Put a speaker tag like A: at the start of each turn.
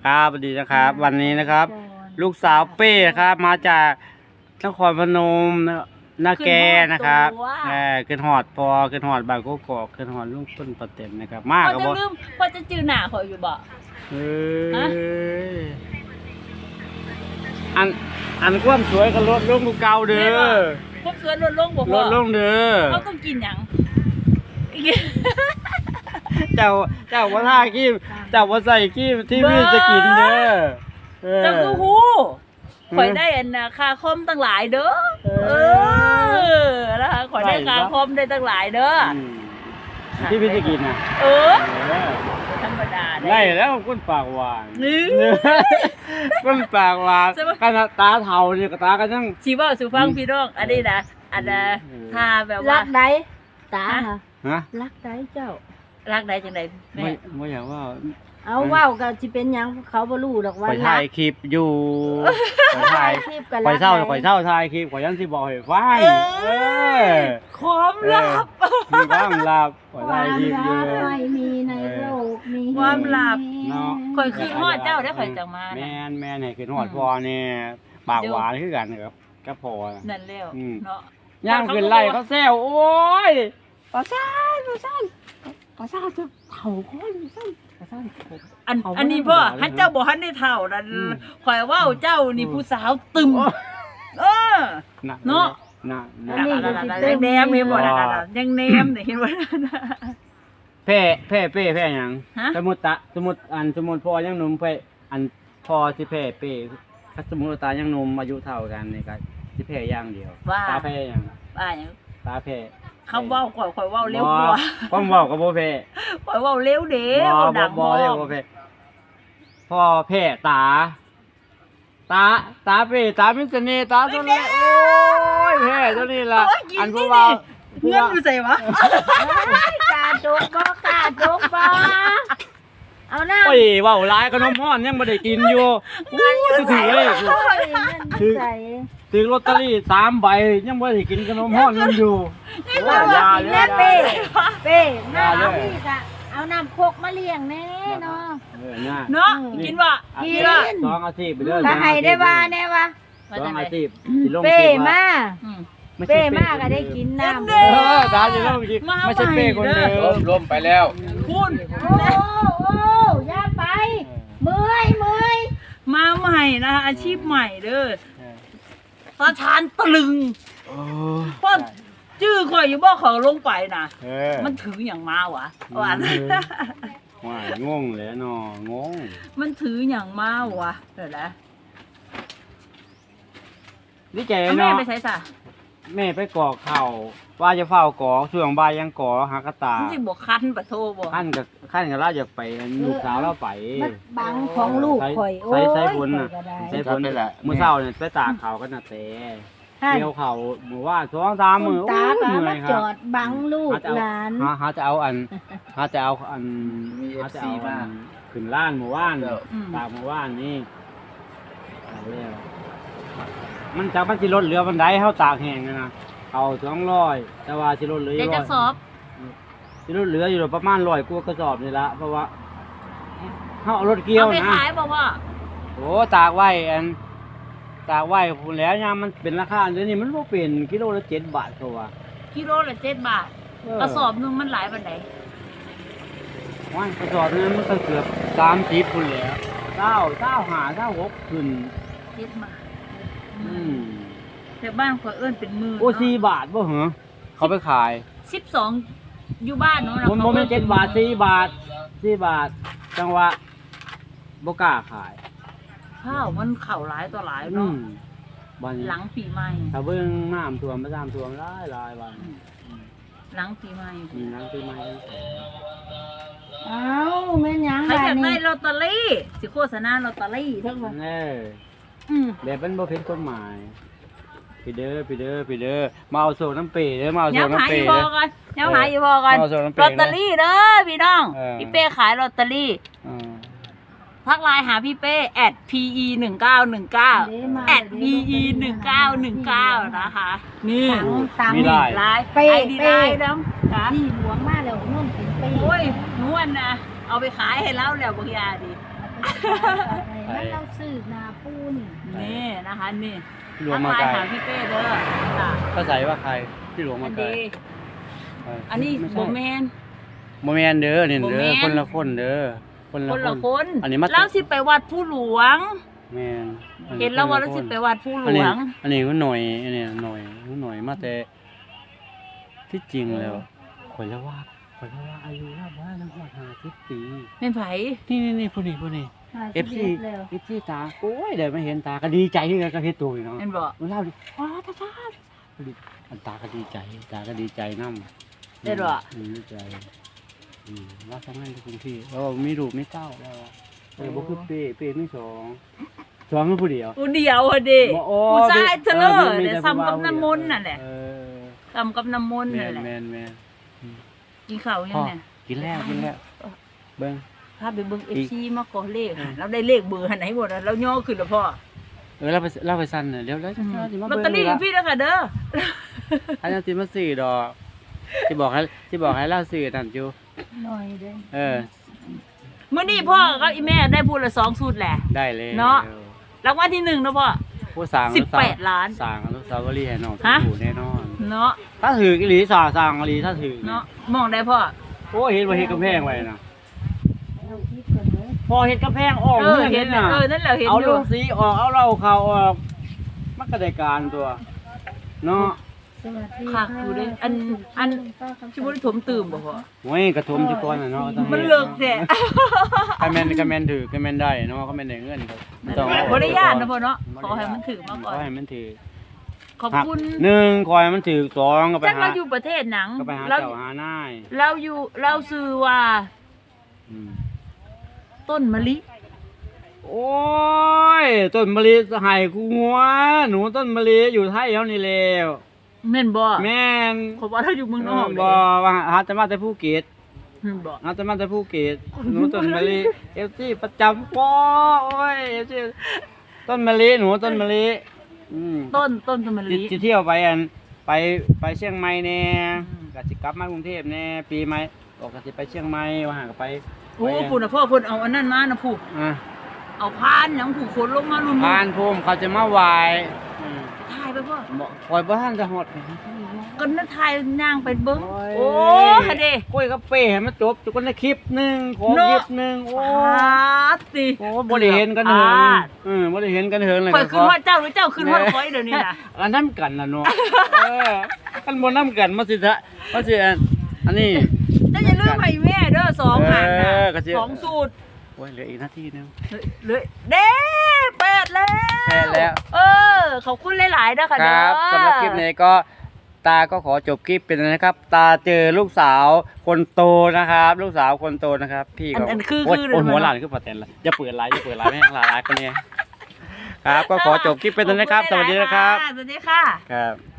A: ครับสวัสดีนะครับวันนี้นะครับ ลูกสาวเป้นะครับมาจากนครพนมนาแกนะครับขึ้นหอดพอขึ้นหอดบางกอกขึ้นหอดลุงต้นประเต็มนะครับมากครับ
B: จะลืมพอจะจือหน้าเขาอยู่บ่
A: อันความสวยก็ลดลงกูเก่าเด้อ
B: ความสวยลดลงบ่พอ
A: ลดลงเด้อ
B: เขาต้องกินหยัง
A: เจ้าว่าท่าขี้เจ้าว่าใส่ขี้ที่พี่จะกินเด้อ
B: เจ้าคือฮู้ข่อยได้อันคาคอมตั้งหลายเด้อนะคะข่อยได้คาคอมได้ตั้งหลายเด้อ
A: ที่พี่จะกินน่ะ
B: ธรรมดา
A: ได้แล้วก้นปากหวานก้นปากหวานกันตาเทาเนี่ยกับตากันยัง
B: ชีว่าสุฟังพี่น้องอันนี้นะอันน่ะถ้าแบบว่า
C: รักได้ตา
A: ฮะ
C: รักได้เจ้า
B: รักได้จังได๋แม่
A: บ่อยากว่า
C: เอาว้าวก็สิเป็นหยังเขาบ่รู้ดอกว่า
A: ถ่ายคลิปอยู่ถ่ายคลิปกันข่อยเศร้าถ่ายคลิปข่อยยังสิบอกให้ฟัง
B: ความลับ
A: มีความลับข่อยถ่ายคลิปอยู่
C: ไม่มีในโลกนี้
B: ความลับเนาะข่อยคือฮอดเจ้าได้ข่อยจังมา
A: แม่นให้คือฮอดพอเนี่ยปากหวานคือกันครับก็พอ
B: นั่นแล้วเนาะ
A: ย่างขึ้นไล่เขาแซวโอ้ยปลาซ่านจะเฒ่าคน
B: อันนี้พ่อฮันเจ้าบ่ฮันได้เฒ่านั่นข่อยว่าเจ้านี่ผู้สาวตึมเนาะยังแนมเห็นบ่ล่ะยังแนมเห็นบ่
A: แพ้หยังสมมุติพ่อยังหนุ่มไปอันพ่อสิแพ้เป้ถ้าสมมุติตายังหนุ่มอายุเท่ากันนี่ก็สิแพ้อย่างเดียวตาแพ้หยังตาแพ้
B: เขาเว้าข่อยเว้าเร็วกว่า
A: ความเว้าก็บ่แพ้
B: ข่อยเว้าเร็วเด้ดัง
A: บ่เร็วบ่แพ้พ่อแพ้ตาเป้ตามีเสน่ห์ตาตัวนี้โอ้ยแพ้ตัวนี้ล่ะอันผู้ว่า
B: เงินอยู่ไสวะ
C: กาจกบ่เอาหน้า
A: โอ้ยเว้าหลายขนมฮ้อนยังบ่ได้กินอยู่ถือเลยถือลอตเตอรี่3ใบยังบ่ได้กินขนมฮ้อนยังอยู่
C: อย่าเลยเป้หน้าเอาอีกอ่ะเอาน้ำโคกมาเลี้ยงแน่เนาะ
B: กินว่ะ
A: 2อาทิตย์ไปเด้อ
C: ถ้าให้ได้ว่าแน่ว่า
A: 2อาทิตย์
C: สิลงเป้มาก็ได้กินน้ำ
A: ตาสิลงกินไม่ใช่เป้คนเดียวล้มไปแล้ว
B: คุณ
C: โอ้อย่าไปเมื่อย
B: มาใหม่นะอาชีพใหม่เด้อตาชานตะลึงเพราะชื่อข่อยอยู่บ่เขาลงไปนะมันถืออย่างมาวะว่
A: างงเลยเนาะงง
B: มันถืออย่างมาวะเดี๋ยวนะ
A: นี่ใจเนาะ
B: แม่ไปใส่ซะ
A: แม่ไปกอกเข่าว่าจะเฝ้ากอกช่วงบ่ายยังกอหากระตา
B: สิบ่คันปะโทบ่
A: คันกับเราอยากไปลูกสาวเราไป
C: บังของลูกข่อยโอ้ย
A: ใส่ฝนน่ะใส่ฝนนี่แหละมื้อเช้าเนี่ยไปตากเขากันน่ะแต่เกี่ยวเขามื้อว่า2-3มื้อ
C: ตามาจอดบังลูกหลาน
A: หาจะเอาขึ้นล้านมื้อวานตากมื้อวานนี่เอาแล้วมันจากมันสิลดเหลือบันไดเฮาตากแห้งนะเอา200แต่ว่าสิลดเหลือ
B: จะสอบ
A: สิลดเหลืออยู่ประมาณ100กว่ากระสอบนี่ละเพราะว่าเฮารถเกี่ยวนะ
B: เอาไปขายบ่ว่า
A: โอ้ตากไว้พุ่นแล้วยามมันเป็นราคาเดี๋ยวนี้มันบ่เป็นกิโลละ7 บาทเขาว่า
B: กิโลละ7 บาทกระสอบนึงมันหลายปานใด
A: ว่ากระสอบนึงมันก็เกือบ30พุ่นแล้ว25 26ขึ้น
B: 7 บาทแต่บ้านข่อยเอิ้นเป็นมื้อ
A: โอ้4 บาทบ่เหรอเขาไปขาย
B: 12อยู่บ้านเนาะ
A: บ่แม่น7 บาท4 บาทจังหวะบ่กล้าขาย
B: ข้าวมันเข้าหลายต่อหลายเนาะหลังปีใหม่
A: ถ้าเบิ่งน้ำท่วมประจำท่วมหลายวัน
B: หลังปีใหม่
A: หลังปีใหม่
C: เอ้าแม่นหยัง
B: ใครอยากได้ลอตเตอรี่สิโฆษณาลอตเตอรี่ทั้งหมด
A: แบบเป็นบ่ผิดกฎหมายพี่เด้อมาเอาโซ่น้ำเปเด้อมาเอาโซ่น้ำเป
B: เด้อยังหาอยู่พอกันลอตเตอรี่เด้อพี่น้องพี่เป้ขายลอตเตอรี่ทักไลน์หาพี่เป้ @pe1919 @pe1919 นะคะนี่
A: มีไลน์
B: เป้น้ำ
C: ที่หลวงมาแล้วนุ่นเป็นเป้
B: โอ้ยนวลนะเอาไปขายให้แล้วแล้วบางยาดิ
C: แล้วเราสืบนาปูนี่
B: นี่นะคะนี่
A: พี่หลวงมาไกล
B: ทักทยหาพี่เป้เด้อจ้ะ
A: ก็ใส่ว่าใครพี่หลวง
B: อั
A: มาน ไกล
B: ดี
A: เออ
B: อันนี้
A: ไม่
B: บ่
A: ใช่
B: แม่น
A: บ่แม่นเด้อนี่
B: บ่
A: เด้
B: แม่
A: อน คนละคนเด้อคน
B: คน
A: ละ
B: ละ
A: ค
B: คน น
A: อันนี้มา
B: เราสิไปวัดผู้หลวง
A: แม่น
B: เห็นแล้วว่าเราสิไปวัดผู้หล
A: อัน
B: ว
A: นี้
B: ง
A: อันนี้ก็หน่อยอันนี้หน่อยมาแต่ที่จริงแล้วข่อยแล้วว่าอายุแล้วว่าแล้วว่า50 ปี
B: แม่นไผ
A: นี่ผู้นี้ FC
C: แล้ว
A: FC ตาโอ้ยเดี๋ยวมาเห็นตาก็ดีใจที่ก็เฮ็ดตัวอยู่เนาะ
B: แม่นบ่
A: มันเล่าดิว้าตาอันตาก็ดีใจนำ
B: ได้บ่
A: ดีใจว่าทำงานที่กรุงเทพมีลูกมีเต้าแล้วบ่คือเป้มีสองคือผู้เดียว
B: ผู้เดียวอะดิ
A: บ่โอ้
B: ผู้ชายเถอะเนาะ
A: มี
B: เดี๋ยว
A: แต่
B: ซ้ำกับ
A: ผู้
B: น้ำมนต์
A: เดียว
B: นั่นแหละ
A: เออ
B: ซ้ำกับน้ำมนต์นั่นแหละ
A: แม่น
B: กินข้าวยังเนี่ย
A: กินแล้วเบิ่ง
B: พาไปเบิ่ง FC มาขอเลขค่ะเราได้เลขเบอร์หันไหนหมดอะเราย่อขึ้นแล้วพ่อ
A: เราไปสั่นน่ะเดี๋ยวสิมา
B: ลอต
A: เบิ่ง
B: เตอรี่ของพี่แล้วค่ะเด้อ
A: อันนั้นสิมาซื้อดอกสิบอกให้เราซื้อนั่นอยู่
C: หน่อยเด้อ
A: เออ
B: มื้อนี้พ่อกับอีแม่ได้พูดละ2สูตรแหละ
A: ได้เลย
B: เนาะ รางวัลที่1เนาะพ่อ
A: ผู้สร้าง
B: 18ล้าน
A: สร้างอนุสาวรีย์ให้น้อง
B: ฮะ
A: อยู่แน่นอน
B: เนาะ
A: ถ้าถืออีหลีสร้างอีหลีถ้าถือ
B: เนาะมองได้พ่อ
A: โอ้เห็นว่าเฮ็ดกำแพงไว้นะ
C: เราคิดกันเด้อ
A: พอเฮ็ดกำแพงออก
B: เห็น
A: น่ะ
B: นั่นแหละเห็น
A: เอา
B: อยู่
A: ลูกสีออกเอาเหล้าเขาออกมันก็ได้การตัวเนาะ
C: สวัสดี
B: คักอยู่เด้อันสิบ่ได้ถมตื่มบ่พ่อ
A: โอ้ยกระทมจุก่อนน่ะเนาะต้อง
B: มันเลิกแท้
A: ก็แม่นถือก็แม่นได้เนาะก็แม่นได้เงินครับต้องเอ
B: บ่ได้ย่านนะพ่อเนาะขอให้มันถือมาก่อน
A: ขอให้มันถือ
B: ขอบคุณ
A: หนึ่งขอให้มันถือสองก็ไป
B: จัก
A: หา
B: เราอยู่ประเทศหนัง
A: ก็ไปหา
B: เรา
A: เจ้าหานาย
B: เราอยู่เราซื้อว่า
A: อืม
B: ต้นมะลิ
A: โอ้ยต้นมะลิให้กูงัวหนูต้นมะลิอยู่ไทยแล้วนี่แล้ว
B: แม่นบ่
A: แม่น
B: ขอว่าเราอยู่เมืองนอก
A: บ่ว่าหาจะมาแต่ภูเก็ต
B: แม่นบ่
A: หาจะมาแต่ภูเก็ตหนูต้นมะลิFC ประจำปอโอ้ย FC ต้นมะลิหนูต้นมะลิอืม
B: ต้นมะลิ
A: สิเที่ยวไปอันไปเชียงใหม่แน่
B: อืม
A: ก็สิกลับมากรุงเทพแน่ปีใหม่ก็สิไปเชียงใหม่ว่าหาก็ไป
B: โอ้พุ่นน่ะพ่อพุ่นเอาอันนั้นมานะผู้
A: อ่ะ
B: เอาพานหยังผู้คนลงมาลุม
A: พานภูมิเขาจะมาไหว้อืม
B: ถ่ายไปพ่อ
A: บ่คอยบ่ทันจะฮอด
B: ก็นั่นถ่ายย่างไปเบิ่ง
A: โอ้
B: โอ้
A: ย
B: ฮะเด้
A: กล้วยกับเป้ให้มันจบจุกันในคลิปหนึงขอ
B: เนาะ
A: คลิปหนึงโอ้
B: ติ
A: โอ้บ่ได้เห็นกันเหิงบ่ได้เห็นกันเหิงเลย
B: ข่อยขึ้นฮอดเจ้าหรือเจ้าขึ้นฮอดข่อยเดี๋ยวนี้น่ะ
A: อันนั้นกันน่ะเนาะกันบ่นำกันมาสิทะมาสิอันนี้
B: เจ้าอย่าลืมให้แม่เด้อ2หันน่ะ
A: ก็สิ
B: 2สูตร
A: โอ้ยเหลืออีกนาทีนึง
B: เลยเด้เปิดแล้ว
A: เปิดแล้ว
B: ขอบคุณหลายๆเด้อค่ะ
A: ค
B: เด้อ
A: รับสำหรับคลิปนี้ก็ตาก็ขอจบคลิปเป็นนะครับ ตาเจอลูกสาวคนโตนะครับ ลูกสาวคนโตนะครับ พี่ก็
B: อันคือ
A: โอ้ย
B: คือ
A: โอ้ยหัวหลานคือปะแตนละอย่าเปิดไลน์ไม่ให้หลานคนนี้ครับ ก็ขอจบคลิปเป็นนะครับ สวัสดีนะครับ
B: สวัสดีค่ะ
A: ครับ